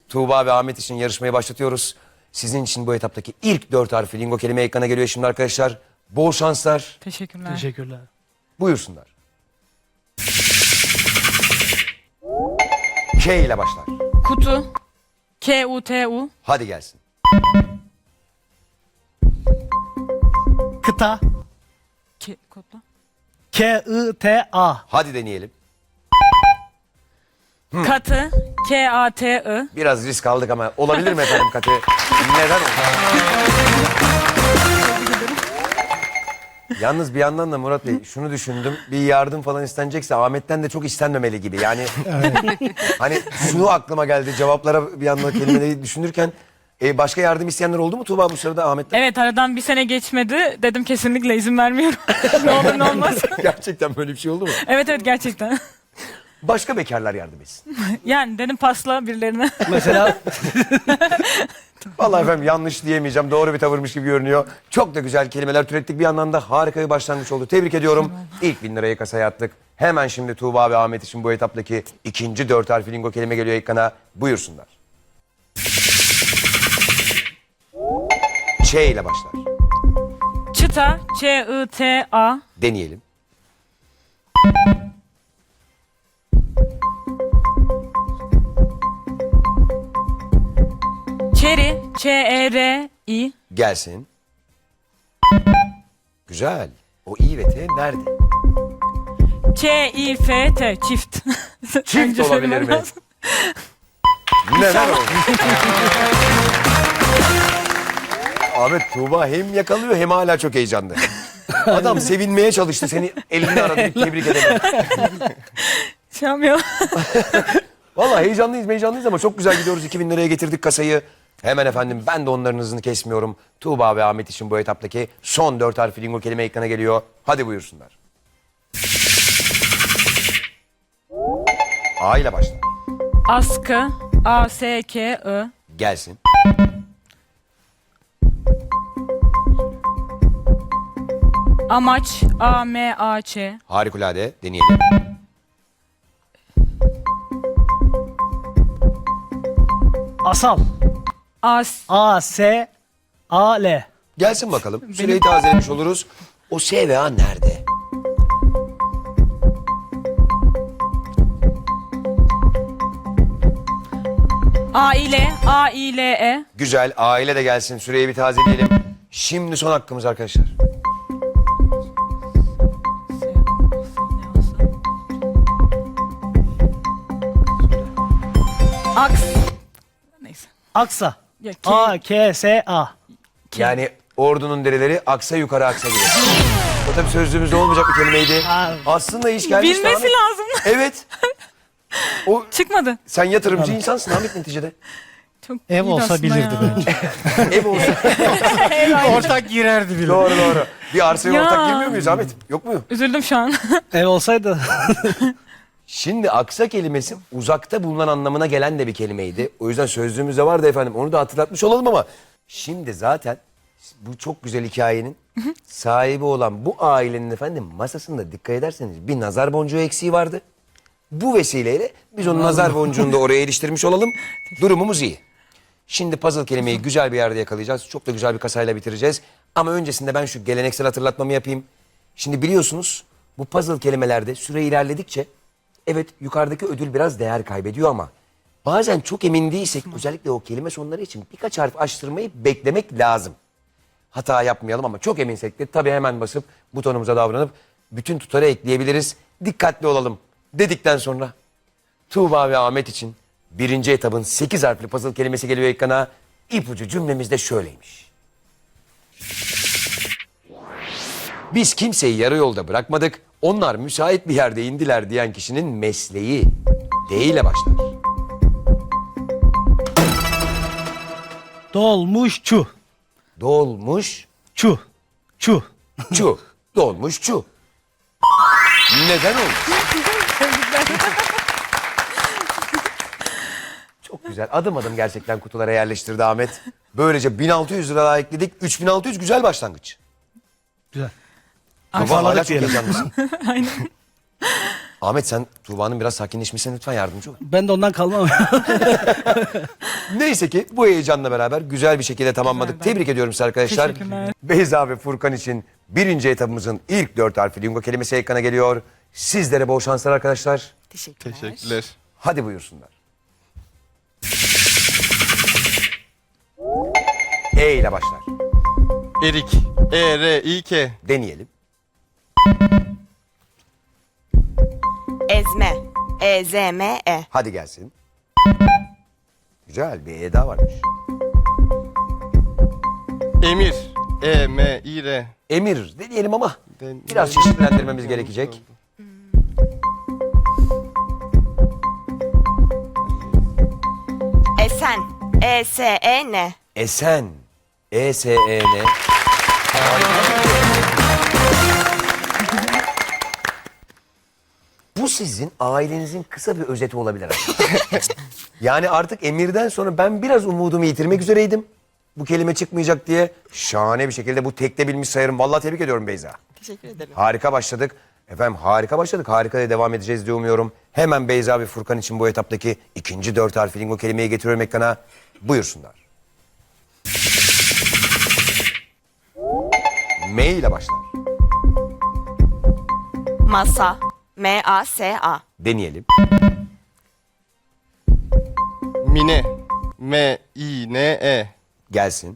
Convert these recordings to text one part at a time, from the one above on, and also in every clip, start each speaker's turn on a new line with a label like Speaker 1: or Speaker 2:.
Speaker 1: Tuğba ve Ahmet için yarışmayı başlatıyoruz. Sizin için bu etaptaki ilk 4 harfli lingo kelime ekrana geliyor şimdi arkadaşlar. Bol şanslar.
Speaker 2: Teşekkürler.
Speaker 3: Teşekkürler.
Speaker 1: Buyursunlar. K ile başlar.
Speaker 2: Kutu. K-U-T-U.
Speaker 1: Hadi gelsin.
Speaker 3: Kıta.
Speaker 2: Kodla.
Speaker 3: K-I-T-A.
Speaker 1: Hadi deneyelim.
Speaker 2: Katı. K-A-T-I.
Speaker 1: Biraz risk aldık ama olabilir mi efendim Katı? Neden oldu? Yalnız bir yandan da Murat Bey şunu düşündüm. Bir yardım falan istenecekse Ahmet'ten de çok istenmemeli gibi. Yani hani şunu aklıma geldi cevaplara bir yandan kelimeleri düşünürken. Başka yardım isteyenler oldu mu Tuğba bu sırada Ahmet'ten?
Speaker 2: Evet, aradan bir sene geçmedi. Dedim kesinlikle izin vermiyorum. Ne olur ne olmaz.
Speaker 1: Gerçekten böyle bir şey oldu mu?
Speaker 2: Evet gerçekten.
Speaker 1: Başka bekarlar yardım etsin.
Speaker 2: Yani dedim pasla birilerine.
Speaker 3: Mesela
Speaker 1: Vallahi efendim yanlış diyemeyeceğim. Doğru bir tavırmış gibi görünüyor. Çok da güzel kelimeler türettik. Bir yandan da harika bir başlangıç oldu. Tebrik ediyorum. İlk 1000 lirayı kasaya attık. Hemen şimdi Tuğba ve Ahmet için bu etaptaki ikinci 4 harfli lingo kelime geliyor ekrana. Buyursunlar. Ç ile başlar.
Speaker 2: Çıta. Ç-I-T-A.
Speaker 1: Deneyelim.
Speaker 2: Çeri. Ç-E-R-I.
Speaker 1: Gelsin. Güzel. O i ve t nerede?
Speaker 2: Ç-İ-F-T. Çift.
Speaker 1: Çift
Speaker 2: Önce
Speaker 1: olabilir
Speaker 2: söylemem
Speaker 1: mi?
Speaker 2: lazım.
Speaker 1: Neden oldu? Ahmet Tuğba hem yakalıyor hem hala çok heyecanlı. Adam sevinmeye çalıştı seni elini aradı bir tebrik edelim.
Speaker 2: Şey yapmıyor.
Speaker 1: Vallahi heyecanlıyız ama çok güzel gidiyoruz. 2000 liraya getirdik kasayı. Hemen efendim ben de onların hızını kesmiyorum. Tuğba ve Ahmet için bu etaptaki son 4 harfli lingo kelime ekrana geliyor. Hadi buyursunlar. A ile başla.
Speaker 2: Askı. A-S-K-I.
Speaker 1: Gelsin.
Speaker 2: Amaç. A-M-A-Ç.
Speaker 1: Harikulade deneyelim.
Speaker 3: asal.
Speaker 2: As.
Speaker 3: A-S-A-L.
Speaker 1: Gelsin bakalım. Süreyi tazelemiş oluruz. O S ve A nerede?
Speaker 2: A-İle. A-İ-L-E.
Speaker 1: Güzel. Aile de gelsin. Süreyi bir tazeleyelim. Şimdi son hakkımız arkadaşlar.
Speaker 2: Aks. Neyse.
Speaker 3: Aksa.
Speaker 2: Ya, K-
Speaker 3: A-K-S-A.
Speaker 1: Yani ordunun dereleri aksa yukarı aksa gider. O tabii sözlüğümüzde olmayacak bir kelimeydi.
Speaker 3: Aa.
Speaker 1: Aslında iş gelmiş.
Speaker 2: Bilmesi
Speaker 1: Ahmet.
Speaker 2: lazım.
Speaker 1: Evet. O
Speaker 2: Çıkmadı.
Speaker 1: sen yatırımcı insansın Ahmet neticede.
Speaker 2: Çok
Speaker 3: Ev
Speaker 2: iyiydi
Speaker 3: olsa
Speaker 2: aslında
Speaker 3: bilirdi
Speaker 2: ya.
Speaker 3: bence.
Speaker 1: Ev olsa.
Speaker 3: Ortak girerdi bile.
Speaker 1: Doğru. Bir arsaya
Speaker 2: Ya.
Speaker 1: ortak girmiyor muyuz Ahmet? Yok mu?
Speaker 2: Üzüldüm şu an.
Speaker 3: Ev olsaydı.
Speaker 1: Şimdi aksa kelimesi uzakta bulunan anlamına gelen de bir kelimeydi. O yüzden sözlüğümüzde vardı efendim. Onu da hatırlatmış olalım ama şimdi zaten bu çok güzel hikayenin sahibi olan bu ailenin efendim masasında dikkat ederseniz bir nazar boncuğu eksiği vardı. Bu vesileyle biz onun nazar boncuğunu da oraya iliştirmiş olalım. Durumumuz iyi. Şimdi puzzle kelimeyi güzel bir yerde yakalayacağız. Çok da güzel bir kasayla bitireceğiz. Ama öncesinde ben şu geleneksel hatırlatmamı yapayım. Şimdi biliyorsunuz bu puzzle kelimelerde süre ilerledikçe evet yukarıdaki ödül biraz değer kaybediyor ama bazen çok emin değilsek özellikle o kelime sonları için birkaç harf açtırmayı beklemek lazım. Hata yapmayalım ama çok eminsek de tabii hemen basıp butonumuza davranıp bütün tutarı ekleyebiliriz. Dikkatli olalım dedikten sonra Tuğba ve Ahmet için birinci etabın 8 harfli puzzle kelimesi geliyor ekrana. İpucu cümlemiz de şöyleymiş. Biz kimseyi yarı yolda bırakmadık. Onlar müsait bir yerde indiler diyen kişinin mesleği D ile başlar.
Speaker 3: Dolmuşçu.
Speaker 1: Dolmuş
Speaker 3: Çu. Çu.
Speaker 1: çu. Dolmuş çu. Neden oldu? Çok güzel. Adım adım gerçekten kutulara yerleştirdi Ahmet. Böylece 1600 lira daha ekledik. 3600 güzel başlangıç.
Speaker 3: Güzel.
Speaker 1: Tuğba hala çok
Speaker 3: diyelim.
Speaker 1: heyecanlısın.
Speaker 2: Aynen.
Speaker 1: Ahmet sen Tuğba'nın biraz sakinleşmesine lütfen yardımcı ol.
Speaker 3: Ben de ondan kalmam.
Speaker 1: Neyse ki bu heyecanla beraber güzel bir şekilde tamamladık. Tebrik ediyorum size arkadaşlar.
Speaker 2: Teşekkürler.
Speaker 1: Beyza ve Furkan için birinci etabımızın ilk 4 harfli lingo kelimesi ekrana geliyor. Sizlere bol şanslar arkadaşlar.
Speaker 4: Teşekkürler.
Speaker 1: Hadi buyursunlar. E ile başlar.
Speaker 4: Erik. E-R-İ-K.
Speaker 1: Deneyelim.
Speaker 5: Ezme. E-Z-M-E.
Speaker 1: Hadi gelsin. Güzel bir E daha varmış.
Speaker 4: Emir. E-M-İ-R.
Speaker 1: Emir deneyelim ama
Speaker 4: Den-
Speaker 1: biraz çeşitlendirmemiz gerekecek.
Speaker 5: Esen. E-S-E-N.
Speaker 1: Esen. E-S-E-N. Bu sizin ailenizin kısa bir özeti olabilir arkadaşlar. Yani artık Emir'den sonra ben biraz umudumu yitirmek üzereydim. Bu kelime çıkmayacak diye şahane bir şekilde bu tekte bilmiş sayarım. Vallahi tebrik ediyorum Beyza.
Speaker 5: Teşekkür ederim.
Speaker 1: Harika başladık. Efendim harika başladık. Harika da devam edeceğiz diye umuyorum. Hemen Beyza ve Furkan için bu etaptaki ikinci 4 harfli lingo kelimeyi getiriyorum ekrana. Buyursunlar. M ile başlar.
Speaker 5: Masa. M-A-S-A.
Speaker 1: Deneyelim.
Speaker 4: Mine. M-İ-N-E.
Speaker 1: Gelsin.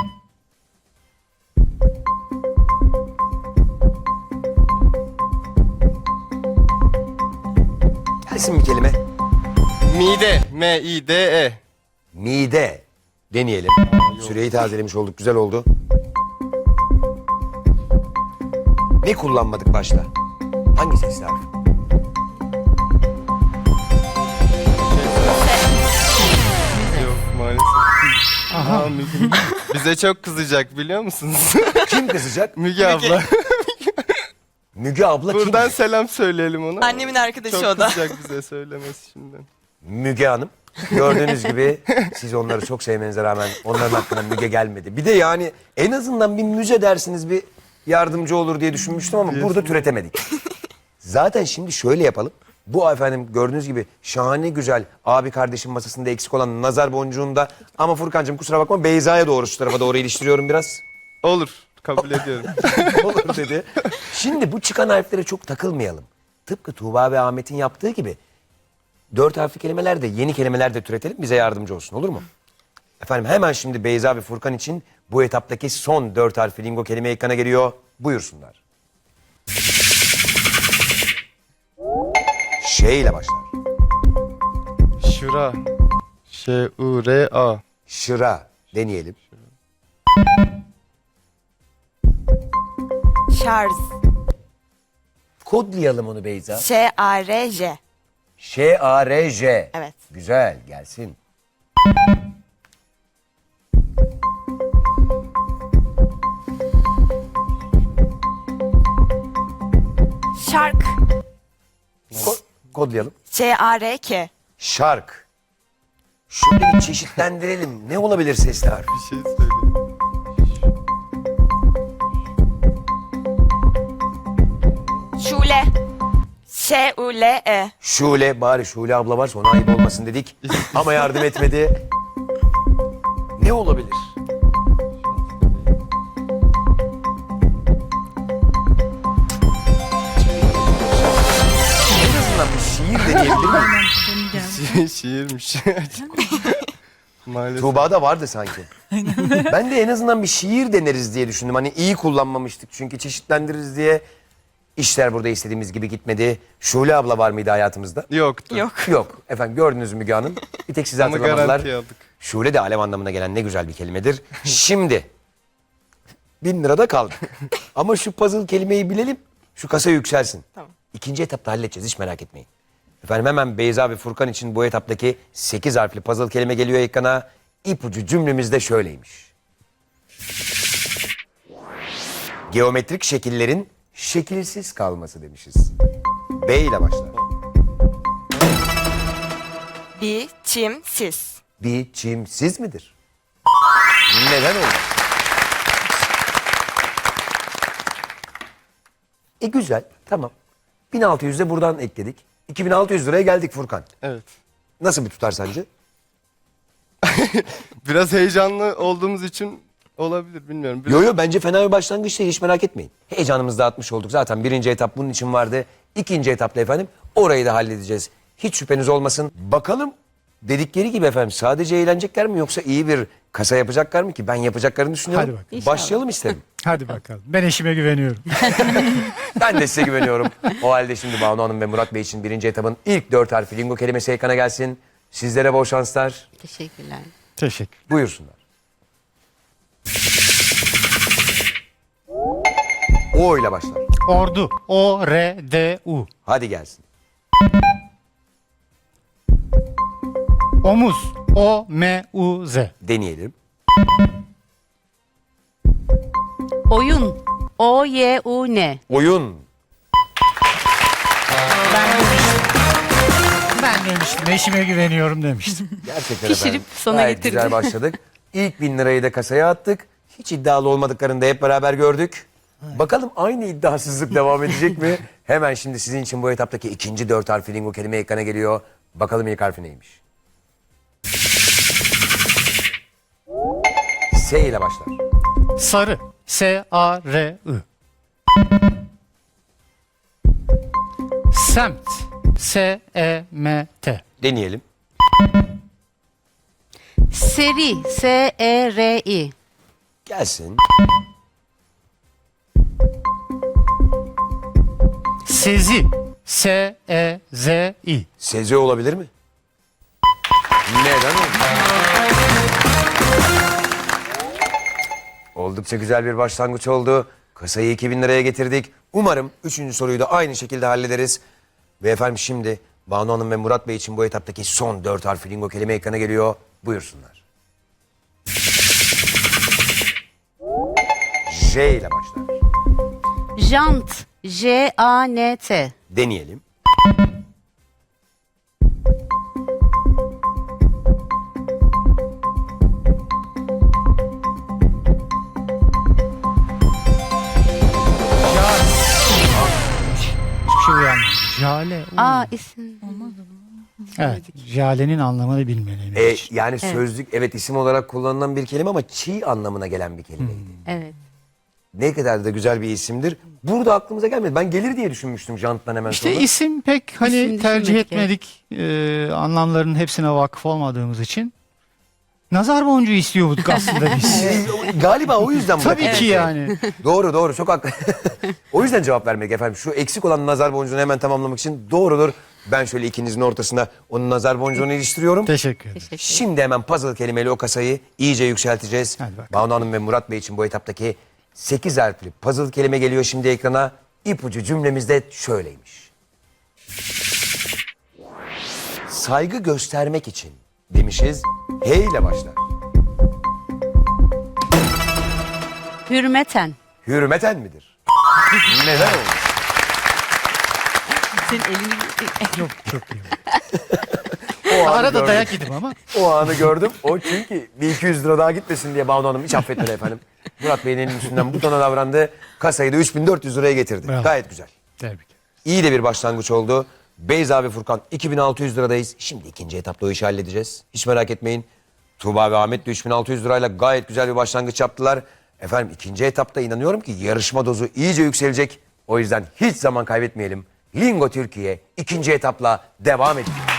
Speaker 1: Gelsin bir kelime.
Speaker 4: Mide. M-İ-D-E.
Speaker 1: Mide. Deneyelim. Süreyi tazelemiş olduk. Güzel oldu. Ne kullanmadık başta? Hangi sesli harf?
Speaker 4: Yok maalesef. Aha. Müge. Bize çok kızacak biliyor musunuz?
Speaker 1: Kim kızacak?
Speaker 4: Müge abla.
Speaker 1: Müge abla kim?
Speaker 4: Buradan selam söyleyelim ona.
Speaker 5: Annemin arkadaşı
Speaker 4: çok
Speaker 5: o da.
Speaker 4: kızacak bize söylemesi şimdiden.
Speaker 1: Müge Hanım. Gördüğünüz gibi siz onları çok sevmenize rağmen onların hakkında Müge gelmedi. Bir de yani en azından bir müze dersiniz bir yardımcı olur diye düşünmüştüm ama burada türetemedik. Zaten şimdi şöyle yapalım. Bu efendim gördüğünüz gibi şahane güzel abi kardeşim masasında eksik olan nazar boncuğunda ama Furkancığım kusura bakma Beyza'ya doğru şu tarafa doğru iliştiriyorum biraz.
Speaker 4: Olur. Kabul ediyorum.
Speaker 1: Olur dedi. Şimdi bu çıkan harflere çok takılmayalım. Tıpkı Tuğba ve Ahmet'in yaptığı gibi 4 harfli kelimeler de yeni kelimeler de türetelim bize yardımcı olsun olur mu? Efendim hemen şimdi Beyza ve Furkan için bu etaptaki son 4 harfli lingo kelime ekrana geliyor. Buyursunlar. Ş ile başlar.
Speaker 4: Şura. Ş-U-R-A.
Speaker 1: Şıra deneyelim.
Speaker 5: Şarj.
Speaker 1: Kodlayalım onu Beyza.
Speaker 5: Ş-A-R-J.
Speaker 1: Ş-A-R-J.
Speaker 5: Evet.
Speaker 1: Güzel gelsin.
Speaker 5: Şark.
Speaker 1: Kodlayalım.
Speaker 5: Ş-A-R-K.
Speaker 1: Şark. Şöyle bir çeşitlendirelim. Ne olabilir sesli harf?
Speaker 4: Bir şey söyle.
Speaker 5: Şule. Ş-U-L-E.
Speaker 1: Şule bari Şule abla varsa ona ayıp olmasın dedik. Ama yardım etmedi. Ne olabilir? En azından bir şiir deneyebilir miyim?
Speaker 4: Şiirmiş. Maalesef.
Speaker 1: Tuğba'da vardı sanki. Ben de en azından bir şiir deneriz diye düşündüm. Hani iyi kullanmamıştık çünkü çeşitlendiririz diye. İşler burada istediğimiz gibi gitmedi. Şule abla var mıydı hayatımızda?
Speaker 4: Yoktu.
Speaker 5: Yok.
Speaker 1: Yok. Efendim gördünüz Müge Hanım. Bir tek size
Speaker 4: Ama
Speaker 1: hatırlamadılar.
Speaker 4: garanti aldık.
Speaker 1: Şule de alev anlamına gelen ne güzel bir kelimedir. Şimdi 1000 lirada kaldık. Ama şu puzzle kelimeyi bilelim. Şu kasa yükselsin.
Speaker 5: Tamam.
Speaker 1: İkinci etapta halledeceğiz hiç merak etmeyin. Efendim hemen Beyza ve Furkan için bu etaptaki 8 harfli puzzle kelime geliyor ekrana. İpucu cümlemiz de şöyleymiş. Geometrik şekillerin şekilsiz kalması demişiz. B ile başlar.
Speaker 5: Biçimsiz.
Speaker 1: Biçimsiz midir? Neden olmaz? Güzel, tamam. 1600 de buradan ekledik. 2600 liraya geldik Furkan.
Speaker 4: Evet.
Speaker 1: Nasıl bir tutar sence?
Speaker 4: Biraz heyecanlı olduğumuz için olabilir bilmiyorum. Biraz...
Speaker 1: Yo yo, bence fena bir başlangıç değil, hiç merak etmeyin. Heyecanımızı dağıtmış olduk. Zaten birinci etap bunun için vardı. İkinci etapta efendim orayı da halledeceğiz. Hiç şüpheniz olmasın. Bakalım dedikleri gibi efendim sadece eğlenecekler mi yoksa iyi bir kasa yapacaklar mı ki? Ben yapacaklarını düşünüyorum.
Speaker 3: Hadi bakalım.
Speaker 1: Başlayalım isterim.
Speaker 3: Hadi bakalım. Ben eşime güveniyorum.
Speaker 1: Ben de size güveniyorum. O halde şimdi Banu Hanım ve Murat Bey için birinci etapın ilk 4 harfi lingo kelimesi ekrana gelsin. Sizlere bol şanslar.
Speaker 6: Teşekkürler.
Speaker 3: Teşekkür.
Speaker 1: Buyursunlar. O ile başlar.
Speaker 3: Ordu. O-R-D-U.
Speaker 1: Hadi gelsin.
Speaker 3: Omuz. O-M-U-Z.
Speaker 1: Deneyelim.
Speaker 6: Oyun. O-Y-U-N.
Speaker 1: Oyun.
Speaker 3: Ben demiştim. Eşime güveniyorum demiştim.
Speaker 1: Gerçekten
Speaker 6: Pişirip
Speaker 1: efendim.
Speaker 6: sona
Speaker 1: Gayet
Speaker 6: getirdi.
Speaker 1: güzel başladık. İlk 1000 lirayı da kasaya attık. Hiç iddialı olmadıklarını da hep beraber gördük. Bakalım aynı iddiasızlık devam edecek mi? Hemen şimdi sizin için bu etaptaki ikinci 4 harfli lingo kelime ekrana geliyor. Bakalım ilk harfi neymiş? S ile başlar.
Speaker 3: Sarı. S-A-R-I. Semt. S-E-M-T.
Speaker 1: Deneyelim.
Speaker 6: Seri. S-E-R-I.
Speaker 1: Gelsin.
Speaker 3: Sezi. S-E-Z-I.
Speaker 1: Seze olabilir mi? Neden olmasın? Oldukça güzel bir başlangıç oldu. Kasayı 2000 liraya getirdik. Umarım 3. soruyu da aynı şekilde hallederiz. Ve efendim şimdi Banu Hanım ve Murat Bey için bu etaptaki son 4 harfli lingo kelime ekrana geliyor. Buyursunlar. J ile başlar.
Speaker 6: Jant. J-A-N-T.
Speaker 1: Deneyelim.
Speaker 3: Hiçbir şey uyanmıyor. Jale.
Speaker 6: Aa isim.
Speaker 3: Evet. Jale'nin anlamını bilmeliyim.
Speaker 1: Yani sözlük evet isim olarak kullanılan bir kelime ama çiğ anlamına gelen bir kelimeydi.
Speaker 6: Evet.
Speaker 1: Ne kadar da güzel bir isimdir. Burada aklımıza gelmedi. Ben gelir diye düşünmüştüm janttan hemen
Speaker 3: İşte
Speaker 1: sonra.
Speaker 3: isim pek hani
Speaker 6: İsim
Speaker 3: tercih
Speaker 6: düşünmek
Speaker 3: etmedik. Anlamlarının hepsine vakıf olmadığımız için. Nazar boncuğu istiyorduk aslında biz.
Speaker 1: Galiba o yüzden
Speaker 3: Tabii
Speaker 1: bırakılmış.
Speaker 3: ki yani.
Speaker 1: Doğru çok haklı. O yüzden cevap vermek efendim. Şu eksik olan nazar boncuğunu hemen tamamlamak için doğrudur. Ben şöyle ikinizin ortasına onun nazar boncuğunu iliştiriyorum.
Speaker 3: Teşekkür ederim.
Speaker 6: Teşekkür.
Speaker 1: Şimdi hemen puzzle kelimeyle o kasayı iyice yükselteceğiz.
Speaker 3: Hadi bakalım.
Speaker 1: Banu Hanım ve Murat Bey için bu etaptaki 8 harfli puzzle kelime geliyor şimdi ekrana. İpucu cümlemiz de şöyleymiş. Saygı göstermek için demişiz. H ile başlar.
Speaker 6: Hürmeten.
Speaker 1: Hürmeten midir? Neden olmuş?
Speaker 6: Senin elini...
Speaker 3: Çok iyi.
Speaker 1: O anı
Speaker 3: Arada
Speaker 1: gördüm.
Speaker 3: dayak yedim ama.
Speaker 1: O anı gördüm. O çünkü bir 200 lira daha gitmesin diye Banu Hanım hiç affetmedi efendim. Murat Bey'in elinin üstünden butona davrandı. Kasayı da 3400 liraya getirdi.
Speaker 3: Bravo.
Speaker 1: Gayet güzel.
Speaker 3: Tebrik.
Speaker 1: İyi de bir başlangıç oldu. Beyza ve Furkan 2600 liradayız. Şimdi ikinci etapta o işi halledeceğiz. Hiç merak etmeyin. Tuğba ve Ahmet de 3600 lirayla gayet güzel bir başlangıç yaptılar. Efendim ikinci etapta inanıyorum ki yarışma dozu iyice yükselecek. O yüzden hiç zaman kaybetmeyelim. Lingo Türkiye ikinci etapla devam ediyor.